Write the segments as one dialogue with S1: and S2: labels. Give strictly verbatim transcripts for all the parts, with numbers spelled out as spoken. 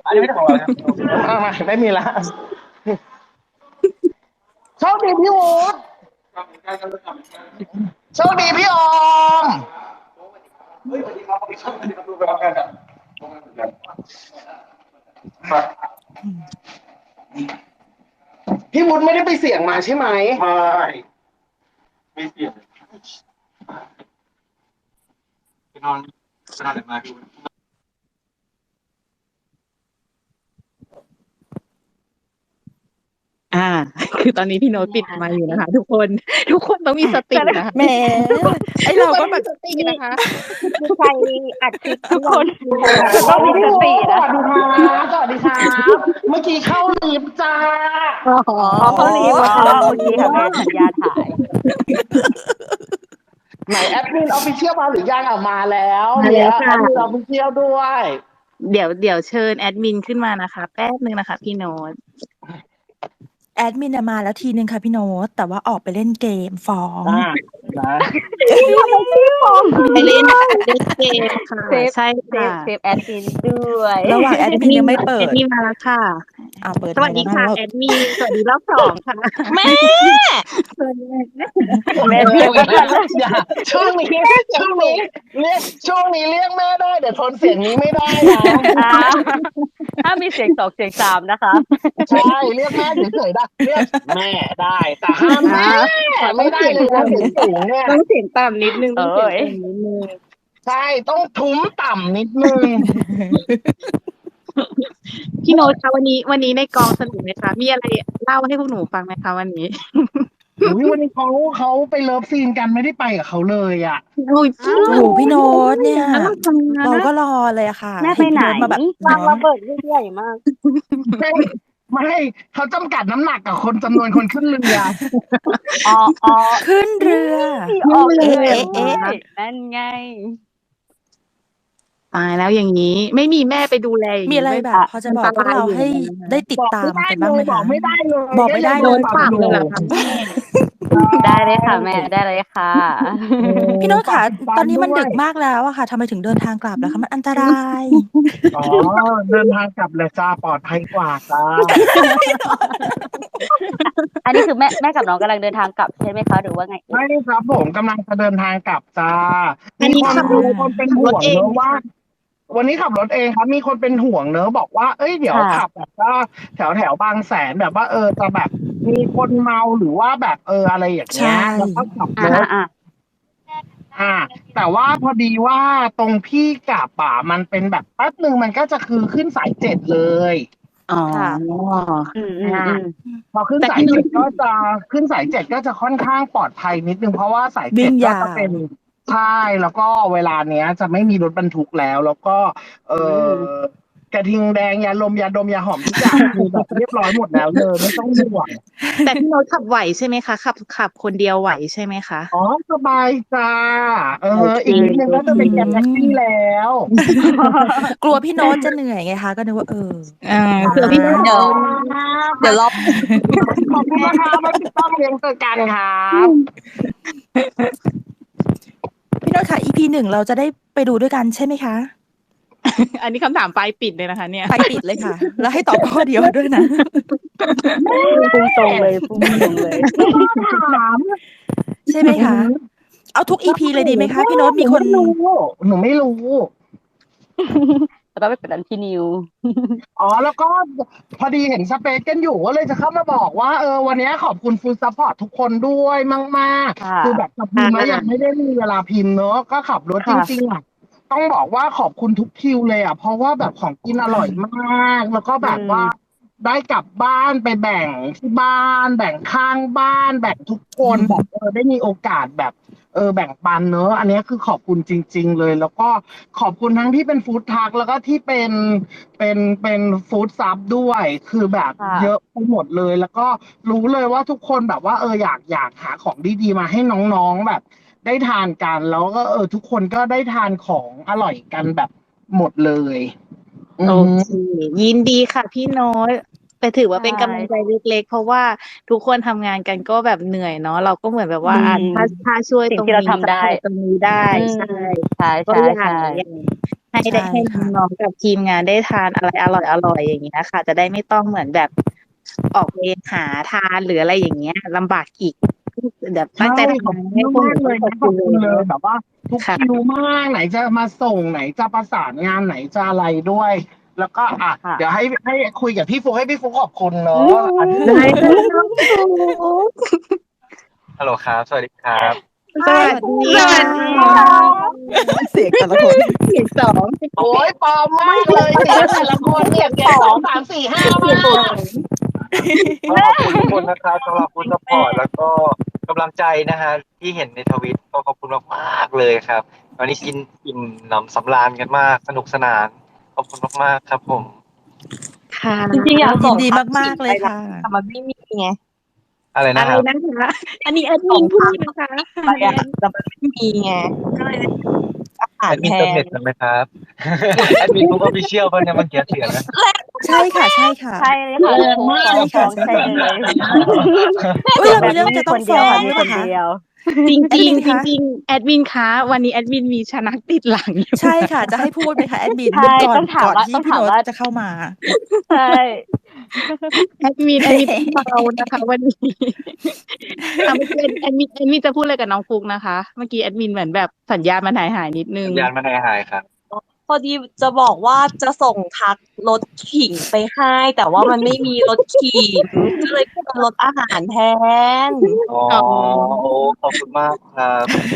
S1: อันนี้ไม่ได้ของเราครับอ่ามาไม่มีละโชคดีพี่วูดโชคดีพี่ออมเฮ้ยสวัสดีครับสวัสดีครับสวัสดีครับดูไปพร้อมกันครับพี่วุฒิไม่ได้ไปเสี่ยงมาใช่ไหมไม่ไม่เสี่ยงไปนอนไปนอนไหนมาพี่วุฒิ
S2: อ่า คือตอนนี้พี่โน้ตปิดไมค์อยู่นะคะ ทุกคน ทุกคนต้องมีสตินะคะ
S3: แหมไอเราก็แบบ
S2: สตินะคะ
S4: มีใครอัดคลิป
S3: ทุกคน
S4: ต้องมีสตินะ
S1: สวัสดีครับสวัสดีครับเมื่อกี้เข้าลิฟต์จ้า
S2: อ๋อ
S4: อ๋อเขารีบอ๋อโอเคค่ะแม่สัญญาถ่าย
S1: ไหนแอดมินออฟฟิเชียลมาหรือยังอ่ะมาแล้ว
S2: มาแล้วค่ะ
S1: แอดมินออฟฟิเชียลด้วย
S2: เดี๋ยวเดี๋ยวเชิญแอดมินขึ้นมานะคะ แป๊บนึงนะคะ พี่โน้ต
S3: แอดมินมาแล้วทีนึงค่ะพี่โน้ตแต่ว่าออกไปเล่นเกมฟ้อง
S1: อ่านะ
S2: ไปเล่นเล่นเกมค่ะ
S4: เซฟ
S2: ใช่
S4: เซ
S2: ค่ะ
S4: ฟเซฟแอดมินด้วย
S3: ระหว่างแอดมินยังไม่เปิ
S2: แอ
S3: ด
S2: ดมินมาแล้วค่ะ
S3: อ่าเปิด
S2: สวัสดีค่ะ
S3: แล้ว
S2: แอดมินสวัสดีรอบสองค่ะ แม่
S4: แม่เรียกว่า
S1: อย่าช่วงนี้ช่วงนี้เรียกช่วงนี้เรียกแม่ได้เดี๋ยวทนเสียงนี้ไม่ได้นะ
S4: อ่าถ้ามีเสียงสองเสียงสามนะคะ
S1: ใช่เรียกแม่เฉยๆได้เรียกแม่ได้แต่ห้ามแม่ไม่ได้เลยนะเสียงสูงเนี่ย
S2: ต้องเสียงต่ำนิดนึงต้องเสียง
S4: เอ้ย
S2: ต่ำนิดนึง
S1: ใช่ต้องทุ้มต่ำนิดนึง
S2: พี่โน้ตคะวันนี้วันนี้ในกองสนุกไหมคะ มีอะไรเล่าให้พวกหนูฟังไหมคะวันนี้
S1: อุ๊ยวันนี้เขาเขาไปเลิฟซีนกันไม่ได้ไปกับเขาเลยอ่ะ
S2: โอ้ยจริง
S3: โอ้โหพี่โน้ตเนี่ย
S2: เราทำงาน
S3: เรา
S2: นะ
S3: ก็รอเลยอะค่ะ
S4: แม่ไปไหน
S3: เพี่โตมาแบบ
S4: วาง
S3: เนาะ
S4: ระเบิดลูกใหญ่มาก
S1: ไม่ไม่เขาจำกัดน้ำหนักกับคนจำนวนคนขึ้นเรือ
S4: อ๋ออ๋อ
S3: ขึ้นเรือ
S4: ที่ออก
S2: เล
S4: เลย ย
S3: เอ๊ะ
S4: นั่นไง
S2: ตายแล้วอย่างนี้ ไม่มีแม่ไปดูแลอย่าง
S3: มี
S2: นี้
S3: อะไร
S2: ไม่
S3: แบบ พอจะบอกพวกเราให้ได้ติด
S1: บอก
S3: ตา
S1: ไม่
S3: ม
S1: ได้
S3: กัน
S1: เล
S3: บ้างไหม
S1: ยบอ
S3: คะ
S1: กไม่ได้เลย
S3: บอกไม่ได้
S1: ก็ยัง
S2: โดน
S1: ป
S2: ป
S1: รั
S2: รั
S1: บบ อยู่
S2: เลยเหรอคะแม่
S4: ได้เลยค่ะแม่ได้เลยค่ะ
S3: พี่โน้ตค่ะ
S1: ฝาก
S3: ตอนนี้มัน
S1: ด้วย
S3: ดึกมากแล้วอะค่ะทำไมถึงเดินทางกลับแล้วคะมันอันตราย
S1: อ๋อเดินทางกลับเลยจ้าปลอดภัยกว่าจ้า
S4: อันนี้คือแม่แม่กับน้องกำลังเดินทางกลับใช่ไหมคะหรือว่าไงเอ่
S1: ไม่
S4: ย
S1: ครับผมกำลังจะเดินทางกลับจ้า
S2: อันนี้
S1: มีคน
S2: ขับรถ
S1: มีคนเป็น
S2: ขับร
S1: ห่
S2: ถ
S1: วง
S2: เอง
S1: เนอะว่า วันนี้ขับรถเองครับ มีคนเป็นห่วงเนอะบอกว่า เอ้ยเดี๋ยว
S4: ค่ะ
S1: ขับแบบว่าแถวแถวบางแสนแบบว่า เออจะแบบมีคนเมาหรือว่าแบบเอออะไรอย่างเงี้ย
S3: ใช่
S1: แล้วก็ขับร
S4: อ่า
S1: ถ
S4: อ่า
S1: อ่า แต่ว่าพอดีว่าตรงพี่กลับอ่ะมันเป็นแบบแป๊บหนึ่งมันก็จะคือขึ้นสายเจ็ดเลย
S2: อ๋อ
S4: ค่ะ อืมอืมอืม
S1: พอขึ้น
S2: แต่
S1: สา
S2: พี่
S1: ย
S2: นุ้
S1: เจ็
S2: ย
S1: ดก็จะขึ้นสายเจ็ดก็จะค่อนข้างปลอดภัยนิดนึงเพราะว่าสาย
S3: วิ่
S1: เจ็ด
S3: ง
S1: ก็
S3: ยา
S1: จะ
S3: ว
S1: เป็นใช่แล้วก็เวลาเนี้ยจะไม่มีรถบรรทุกแล้ว แล้วก็ เอ
S4: อื
S1: อ
S4: ม
S1: กระทิงแดงยาลมยาดมยาหอมทุกอย่างคือแบบเรียบร้อยหมดแล้วเลยไม่ต้องห่วง
S2: แต่พี่โน้ตขับไหวใช่ไหมคะขับขับคนเดียวไหวใช่ไหมคะ
S1: อ๋อสบายจ้าเออ
S2: โอเค
S1: อีกนิดนึงก็จะเป็นแก๊งแท็กซี่แล้ว
S3: กลัวพี่โน้ตจะเหนื่อยไงคะก็นึกว่าเออ
S2: อ่าเผื่อพี่โน้ต
S4: เดี๋ยว เดี๋ยวรอ
S1: ขอบคุณนะคะมาติดตามเรียนเจอกันครับ
S3: พี่โน้ตค่ะ อี พี หนึ่งเราจะได้ไปดูด้วยกันใช่ไหมคะ
S2: อันนี้คำถามปลายปิดเลยนะคะ เนี่ย
S3: ไปปิดเลยค่ะ แล้วให้ตอบข้อเดียวด้วยนะ
S4: พุ่งตรงเลยพุ่งตรงเลย
S1: ถาม
S3: ใช่ไหมคะ เอาทุก อี พี เลยดีไหมคะ พี่โน้ตมีคน
S1: หนูไม่รู้หนูไม่รู้
S4: แล้วก็ไปเป็นอันพี่นิว
S1: อ๋อแล้วก็พอดีเห็นสเปซกันอยู่ก็เลยจะเข้ามาบอกว่าเออวันนี้ขอบคุณฟูลซัพพอร์ตทุกคนด้วยมากๆ
S4: ค่ะ
S1: คือแบบจะพิมพ์แล้วยังไม่ได้มีเวลาพิมพ์เนอะก็ขับรถจ
S4: ค่ะ
S1: ริงๆอ่ะต้องบอกว่าขอบคุณทุกคิวเลยอ่ะเพราะว่าแบบของกินอร่อยมาก แล้วก็แบบว่าได้กลับบ้านไปแบ่งที่บ้าน แบ่งข้างบ้าน แบ่งทุกคน
S3: อืม
S1: แบบเออได้มีโอกาสแบบ เออแบ่งปันเนอะอันนี้คือขอบคุณจริง ๆ เลย แล้วก็ขอบคุณทั้งที่เป็นฟู้ดทรัคแล้วก็ที่เป็นเป็นเป็นฟู้ดซับด้วย คือแบบ
S4: ค่ะ
S1: เยอะไปหมดเลย แล้วก็รู้เลยว่าทุกคนแบบว่า เอออยากอยากหาของดีๆมาให้น้องๆแบบ ได้ทานกัน แล้วก็เออทุกคนก็ได้ทานของอร่อยกันแบบหมดเลยอื
S2: โอ
S1: อฮึ
S2: เคยินดีค่ะพี่โน้ตแต่ถือว่าเป็น
S4: ใช่
S2: กำลังใจเล็กๆ เพราะว่าทุกคนทำงานกันก็แบบเหนื่อยเนาะเราก็เหมือนแบบว่า
S4: อืม
S2: อ่ะถ้าถ้าช่วย
S4: สิ่
S2: ตรง ง
S4: ที่เรา
S2: นี้
S4: ทำได้
S2: ตรงนี้ได้
S4: อืม
S2: ใช่
S4: ใช่
S2: ก็
S4: ใช่
S2: อยาก
S4: ใช่
S2: อยากให้ได้
S3: ใช่
S2: ให้
S3: ค่ะ
S2: น้องๆกับทีมงานได้ทานอะไรอร่อยๆอย่างเงี้ยค่ะ จะได้ไม่ต้องเหมือนแบบออกไปหาทานหรืออะไรอย่างเงี้ยลำบากอีกแบบตั้ง
S1: ใช่
S2: ใจ
S1: ขอบ
S2: ทำ
S1: คุณ
S2: ให้พวกห
S1: มา
S2: นู
S1: กๆเลยนะขอบคุณเลยแบบว่าทุก
S2: ค่ะ
S1: คิวมากไหนจะมาส่งไหนจะประสานงานไหนจะอะไรด้วย แล้วก็อ่ะ
S4: ค่ะ
S1: เดี๋ยวให้ให้คุยกับพี่ฟุกให้พี่ฟุกขอบคุณ
S4: อื
S1: เนาะอันนี้
S2: ได้
S4: ม
S2: เลยน้องฟุก
S5: ฮัลโหลครับ สวัสดีครับ
S2: สวัสดี
S4: สวัสดีค่ะ
S3: เสียงแต่ละคน
S2: เสียงสอง
S1: โอ้ยปลอมมากเลยเสียงแต่ละคนเนี่ยเสียงสองสามสี่ห้า
S2: เสียง
S1: มา
S2: สอก ง
S5: ก็ขอบคุณทุกคนนะครับสำหรับฟู้ดซัพพอร์ตแล้วก็กำลังใจนะฮะที่เห็นในทวิตก็ขอบคุณมากๆเลยครับวันนี้กินอิ่มหนำสำราญกันมากสนุกสนานขอบคุณมากๆครับผม
S2: ค่ะ
S6: จริงๆอยาก
S3: ยิ
S6: ส่
S3: น
S6: ง
S3: ดี
S6: ทัก
S3: มาก ๆ เลยค่ะ
S6: แต่มันไม่มีไง
S5: อะไร
S2: อะ
S5: นะ
S2: ไร
S5: ครับ
S2: นะคะ อันนี้แอดมินพูดนะคะ
S6: ไปอะแต่มันไม่มีไงก็เลยอาหา
S5: แอ
S6: ร
S5: ดมิ
S6: แท
S5: นเติมเน็
S6: น
S5: ตกันไหมครับ แอดมินฟุกออฟฟิเชียลป่ะเนี่ยเมื่อกี้เสียงนะ
S3: ใช่ค่ะ ใช่ค่ะ
S4: ใช่เลยค่ะ
S1: แรงมาก
S4: ฟ้อง
S3: ใช่
S4: ฟ้
S3: ค่ะ
S4: องใช่เลย
S3: อุ๊ยเรา
S4: แบ
S3: มี
S4: บ
S3: เรื่อง
S4: นี้มี
S3: จะต้
S4: ค
S3: อง
S4: นเดี
S3: ฟ้
S4: ยว
S3: อง
S4: ค่ะ
S3: ห
S4: มี
S3: รือ
S4: ค
S3: เปล่าน คะ
S4: เดียว
S2: จริง
S3: แอดมิน
S2: ๆ จ
S3: คะ
S2: ริงๆแอดมินคะวันนี้แอดมินมีชนักติดหลังอยู่
S3: ใช่ค่ะ จะให้พูดไหมคะแอดมิน
S4: ใช่
S3: ก่อน
S4: ต้องถาม
S3: ก่อน
S4: ว่า
S3: ที่
S4: ต้อง
S3: พี่
S4: ถาม
S3: โน้ต
S4: ว่า
S3: จะเข้ามา
S4: ใช่
S2: แอดมินแอดมินต้องเบานะคะวันนี้อ่ะเมื่อกี้แอดมินแอดมินจะพูดอะไรกับน้องฟุกนะคะ เมื่อกี้แอดมินเหมือนแบบสัญญาณมันหายหายๆนิดนึง
S5: สัญญาณมันหายหายครับ
S6: พอดีจะบอกว่าจะส่งทักรถขิงไปให้ แต่ว่ามันไม่มีรถขิง ก็เลยเป็นรถอาหารแทน
S5: อ๋อ
S2: อ๋อ
S5: โอ้ขอบคุณมากครับ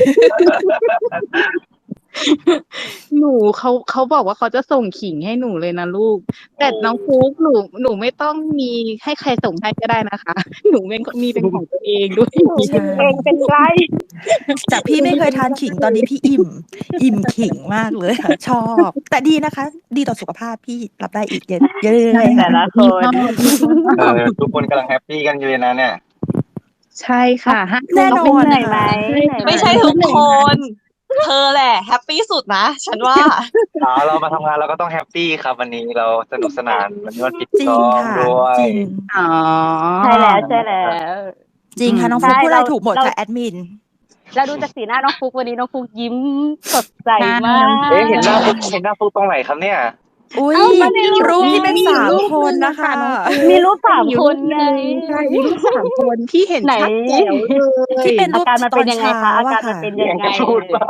S2: หนูเขาเขาบอกว่าเขาจะส่งขิงให้หนูเลยนะลูก แต่น้องฟุกหนูหนูไม่ต้องมีให้ใครส่งให้ก็ได้นะคะ หนูเป็นมีเป็นของตัวเองด้วย
S3: ใช่
S2: เองเป็นไร
S3: จากพี่ไม่เคยทานขิงตอนนี้พี่อิ่ม อิ่มขิงมากเลยค่ะ ชอบ แต่ดีนะคะ ดีต่อสุขภาพพี่รับได้อีกเยอะเรื่อยๆ
S4: แต่
S3: ค่ะ
S4: ละค
S2: มี
S4: น
S2: ข้อมีข้อ
S5: เออทุกคนกำลังแฮปปี้กันอยู่เลยนะเนี่ย
S2: ใช่ค่ะห้า
S3: แน่น
S2: ทุ่
S3: อ
S2: ม
S3: น
S4: เหนื่อยไหม
S3: ค่ะ
S4: เหนื่อยไหม
S6: ไม่ใช่ทุกคน เธอแหละแฮปปี้สุดนะ ฉันว่า
S5: อ๋อเรามาทำงานเราก็ต้องแฮปปี้ครับวันนี้เราสนุกสนานวันนี้วันปิด
S3: จริ
S5: ก
S3: ง
S5: อง
S3: ค่ะ
S5: ด้วย
S3: จริง
S2: อ๋อ
S4: ใช่แล้วใช่แล้ว
S3: จริงค่ะ น้อง
S4: ใช่
S3: ฟุกพูดอะไร
S4: เรา
S3: ถูกหมด
S4: เรา
S3: ค่ะแอดมิน
S4: เราดูจากสีหน้าน้องฟุกวันนี้น้องฟุกยิ้มสดใส
S2: ใช่
S4: มาก
S5: เอ๊ะเห็นหน้าฟุกเห็นหน้าฟุกตรงไหนครับเนี่ย
S3: อุ้ย
S4: เอ้ามาในรูป
S3: รูปที่เป็น
S2: มี
S3: สาม
S2: รูป
S3: คน
S2: หนึ่ง
S3: นะคะ
S2: น้องฟุ๊ก
S4: มีรูปสาม
S2: อยู่
S4: คน
S2: รูป
S4: ไง
S2: หนึ่งใช่มีรูปสามคนที่เห็น
S4: ไหน
S2: ชัดแจ๋วเลย
S3: ที่เป็นรู
S4: อา
S3: ป
S4: การมัน
S3: ต
S4: เป็
S3: อน น
S4: ยังไง
S3: เช้า
S4: คะอา
S3: อะ
S4: การมัน
S3: ค่ะ
S4: เป็น
S5: เสี
S4: ยั
S5: ยง
S4: ง
S5: ก
S4: ไง
S5: ระชูดมาก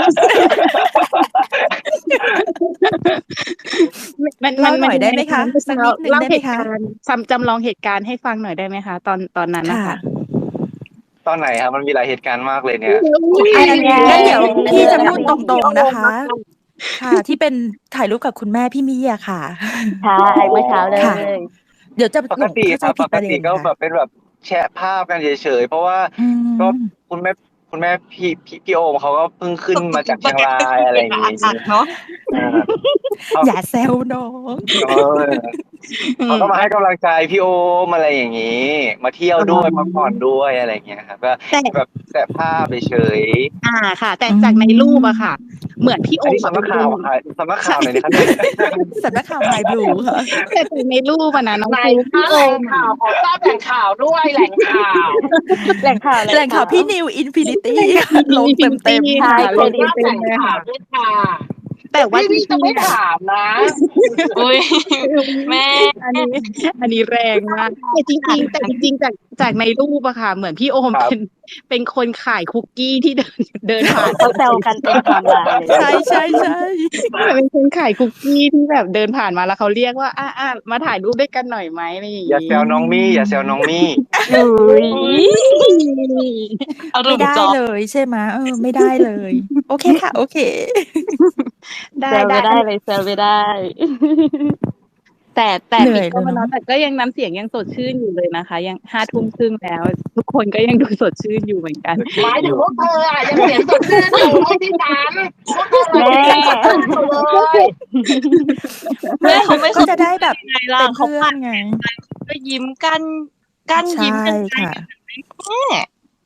S2: มันมัน
S3: เล่าหน่อยได้ไหมคะ
S2: เมื่อ
S3: สัก
S2: เช้า
S3: นิดนึง
S2: เล่า
S3: ได้
S2: เห
S3: ไหม
S2: ตุ
S3: คะ
S2: การณ์จำจำลองเหตุการณ์ให้ฟังหน่อยได้ไหมคะ ตอนตอนนั้นนะ
S3: ค่ะ
S2: คะ
S5: ตอนไหนครับมันมีหลายเหตุการณ์มากเลยเนี่ย
S3: อัน
S4: ยังไง
S3: งั้นเดี๋ยวพี่จะพูด
S4: ยังไง
S3: ตรงๆนะคะ ค่ะ ที่เป็นถ่ายรูปกับคุณแม่พี่มี่อะค่ะ
S4: ใช่เมื่อเช้าเล
S3: ค่ะ
S4: ย
S3: เดี๋ยวจะ
S5: ป
S3: หล
S5: ก
S3: ง
S5: ติ
S3: เข้า
S5: ค
S3: ใจ
S5: รับ
S3: ผิ
S5: ป
S3: ด
S5: ก
S3: ประเด็
S5: ติ
S3: น
S5: ก็
S3: ค่ะ
S5: แบบเป็นแบบแชะภาพกันเฉยๆเพราะว่า
S3: อื
S5: ก็
S3: ม
S5: คุณแม่คุณแม่พี่พี่พี่โอมเขาก็เพิ่งขึ้นมาจากเชียงรายอะไรอย่างงี้
S6: อัดเนาะ
S5: เออเขา
S3: อย่าแซวน้อง
S5: เออเขาก็มาให้กำลังใจพี่โอมอะไรอย่างงี้ มาเที่ยวด้วยพักผ่อนด้วยอะไรอย่างเงี้ยครับก็
S2: แต่
S5: แบบแชะภาพเฉย
S2: อ่าค่ะ แต่
S3: อืม
S2: จากในรูปอะค่ะ เหมือนพี่
S5: ๆ
S2: โอ
S5: อันนี้
S2: มอะ
S5: สำนักข่าวอะค่ะสำนักข่าวไหนอยนะครับเนี่ย
S3: สำนักข่าว My Blue ค่ะ
S2: แต่จากในรูปอะนะน้อง
S1: ไหน
S2: ฟุ๊ก
S1: คะ
S2: พี่
S1: แห
S2: โอ
S1: ล่ง
S2: ม
S1: ข่าวขอทราบแหล่งข่าวด้วยแหล่งข่าว
S4: แหล่งข่าว
S3: แหล่งข่าวพี่นิวอินฟินิตี้ลงเต็มเต็ม
S2: ค่ะ
S1: ข
S2: ล
S1: อง ทราบ
S2: เต็
S1: แห
S2: ม
S1: ล่ง
S2: ๆเลย
S1: ข่า
S2: ค่ะ
S1: วด้วยค่ะ
S2: แต่ว่า
S1: พี่
S2: จ
S1: พี่จะ
S2: ริง
S1: ไม่
S2: ๆอะ
S1: ถามนะ
S6: อุ้ย แม่
S2: อันนี้ อันนี้แรงมากแต่จริงๆแต่จริงๆจากจากในรูปอะค่ะ เหมือนพี่โอม
S5: ครับ
S2: เป็นเป็นคนขายคุกกี้ที่เดินเดินผ่าน
S4: เขาแซวกันเต็มไทม์ไลน์เลย
S3: ใช่ใช่ใช่
S2: เป็นคนขายคุกกี้ที่แบบเดินผ่านมาแล้วเขาเรียกว่าอ่ะอ่ะมาถ่ายรูปด้วยกันหน่อยไหมอะไรอย่าง
S5: อย่า
S2: งี้
S5: แซวน้องมี่อย่าแซวน้องมี่
S4: อุ้ย
S6: เอารุ
S3: ไม่
S6: ม
S3: ได้
S6: จอ
S3: เลยใช่ไหมเออไม่ได้เลย โอเคค่ะ โอเค
S2: ได้
S4: แซว
S2: ได้
S4: ไม่ได้เลยแซวไม่ได้
S2: แต่แต่
S3: เหนื่
S2: ปิ
S3: อ
S2: ด
S3: ย
S2: กล้อง
S3: เลย
S2: แล้ว
S3: เนอะ
S2: แต่ก็ยังน้ำเสียงยังสดชื่นอยู่เลยนะคะ ยังห้าทุ่มครึ่งแล้ว ทุกคนก็ยังดูสดชื่นอยู่เหมือนกัน
S1: หมายถึงพวกเธออะยังเสียงสดชื่นอยู่ไม่ใช่ฉันพวกเธออะยังเสียงสดชื่นอยู่เลย
S6: แม่เขาไม่
S3: ก็จะได้แบบ
S6: ไงล่ะ
S3: เป็น
S6: เขา
S3: เพื่อ
S6: ปั
S3: น
S6: ด
S3: ไง
S6: ก็ยิ้มกันกั้น
S3: ใช่
S6: ยิ้มกันไป
S3: ค่ะ
S6: แม่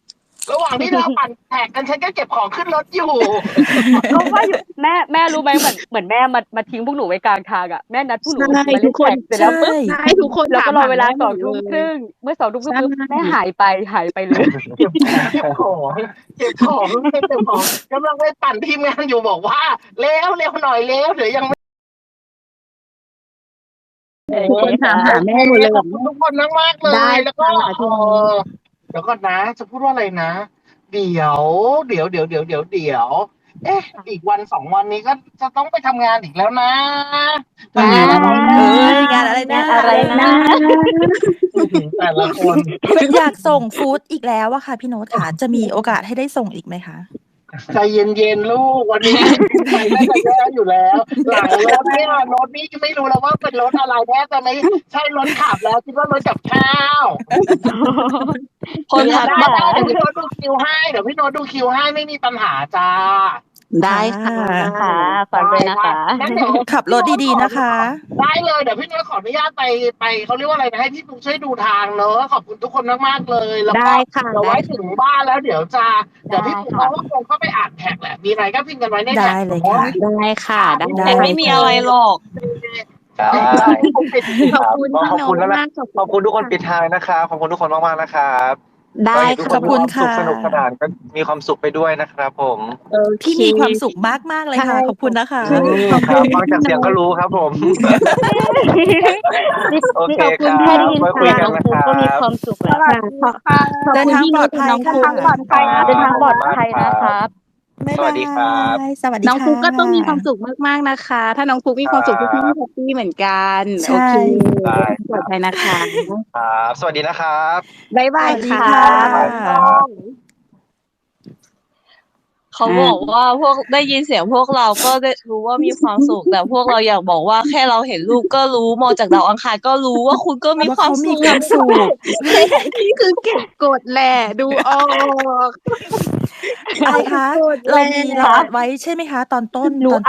S1: ระหว่างที่เราปั่นแท็กกันฉันก็เก็บของขึ้นรถอยู่
S4: ก็ว่าอยู่แม่แม่รู้ไหมเหมือนเหมือนแม่มามาทิ้งพวกหนูไว้กลางทางอ่ะแม่นัดพวกหนู
S2: ใช่
S4: มา
S2: ทุ
S4: เล่
S2: ก
S4: น
S2: คน
S4: แข่งเสร็จแล้วปุ๊บ
S2: ใช่ทุกคน
S4: แล้วก็รอเวลา
S2: ถามหา
S4: สองทุ่ม
S2: แม่หมดเลย
S4: ครึ่งเมื่อสองทุ่มครึ่งปุ๊บ
S2: ใช่
S4: แม่หายไปหายไปเลย
S1: เก็บของเก็บของเก็บของเก็บของกำลังไปปั่นทีมงานอยู่บอกว่าเร็วเร็วหน่อยเร็วเดี๋ยวยังไม่
S2: ทุกคนถามหาแม่หมดเลย
S1: ขอบคุณทุกคนมากมากๆเล
S2: ได้
S1: ยแล้วก็
S2: ค่ะ
S1: เออเดี๋ยวก่อนนะ จะพูดว่าอะไรนะ เดี๋ยวเดี๋ยวเดี๋ยวเดี๋ยวเดี๋ยวเดี๋ยวเอ๊ะอีกวันสองวันนี้ก็จะต้องไปทำงานอีกแล้วนะ
S2: งานอะไรนะ
S3: เอ้ยงานอะไรนะ
S4: งานอะไรนะ
S1: แต่ละคน
S3: อยากส่งฟู้ดอีกแล้วอะค่ะพี่โน้ตค่ะ จะมีโอกาสให้ได้ส่งอีกไหมคะ
S1: ใจเย็นๆลูกวันนี้ไปน่าจะแย่อยู่แล้ว หลังรถเนี่ยรถนี่ไม่รู้แล้วว่าเป็นรถอะไรแน่ตอนนี้ใช่รถขับแล้วคิดว่ารถกับข้าว
S6: คนทัก
S1: ได้
S6: มา
S1: ได้เดี๋ยวพี่โน้ตดูคิวให้เดี๋ยวพี่โน้ตดูคิวให้ไม่มีปัญหาจ้า
S2: ได้ค่ะ
S4: ค่ะฝากด้วยนะคะ
S1: งั้นเดี๋ยว
S3: ขับรถดีๆนะคะ
S1: ได้เลยเดี๋ยวพี่โน้ตขออนุญาตไปไปเขาเรียกว่าอะไรนะให้พี่ปุ๊กช่วยดูทางเนอะขอบคุณทุกคนมากๆเลยแล้วก็
S2: ได้ค่ะ
S1: เดี๋ยวไว้ถึงบ้านแล้วเดี๋ยวจะเดี๋ยวพี่ปุ๊ก
S4: ได้
S1: เขา
S4: ค่ะ
S1: ก็คงเข้าไปอ่านแท็กแหละมีอะไรก็พิมพ์กันไว้ในแท็ก
S3: ได้เลยค่ะ
S2: ได้ค่ะได้
S3: ได้
S6: แต่ไม่มีอะไรหรอก
S5: ได้
S2: ขอบคุณ
S5: ก็
S2: พี่
S5: ขอบ
S2: โน้
S5: คุณ
S2: ต
S5: แล้วนะ
S2: มาก
S5: ขอบคุณทุกคนปิดท้ายนะครับขอบคุณทุกคนมากๆนะครับ
S2: ได้
S5: ก็เห็นทุก
S2: ค่ะ
S5: คนมีความสุข
S3: ขอบคุณค่ะ
S5: สนุกสนานก็มีความสุขไปด้วยนะครับผม
S2: โอเค
S3: ที่มีความสุขมากๆเลยค่ะ ขอบคุณนะคะ
S5: อืมครับฟังจากเสียงก็รู้ครับผม โอเค
S4: ขอบคุณ
S5: ครับ
S4: แค่ได้ยิน
S5: ไว้คุย
S4: เสียง
S5: กัน
S4: น้อง
S5: นะ
S4: ฟุ๊ก
S5: ครับ
S4: ก็มีความสุขแล้ว
S2: ค่ะขอบ
S3: เดิน
S2: คุณ
S3: ทาง
S2: พี่
S3: ปล
S2: โน้
S3: อ
S2: ต
S3: ดภัย
S2: น้อง
S3: ค่ะ
S2: ฟุ๊ก
S4: ปลอดภัยเดินทางปลอดภัยนะครับ
S3: บ๊าย
S5: สวั
S3: บา
S5: สดีครับ
S3: ยสวัสดี
S2: น้อง
S3: ค่ะ
S2: ฟุ๊กก็ต้องมีความสุขมากๆนะคะ ถ้าน้องฟุ๊กมีความสุข
S5: ครั
S2: พี่
S5: บ
S2: พี่แฮปปี้เหมือนกัน
S3: ใช่
S2: โอเค
S5: ได้
S2: ปลอดภัยนะคะ
S5: ครับสวัสดีนะครับ
S2: บ๊ายบาย
S3: สวัสดี
S2: ค่ะ
S3: ค่ะ
S6: เขาบอกว่าพวกได้ยินเสียงพวกเราก็ได้รู้ว่ามีความสุข แต่พวกเราอยากบอกว่าแค่เราเห็นรูปก็รู้มองจากดาวอังคารก็รู้ว่าคุณก็มี
S3: ว่า
S6: ความ
S3: เขามี
S6: สุข
S3: ความสุข
S2: นี่คือเก็บกดแหละ ดูออก
S3: อะไรคะ
S2: กดแหละ
S3: เรามีเราอัดไว้ใช่ไหมคะ ตอนต้น
S4: หนู
S3: ตอน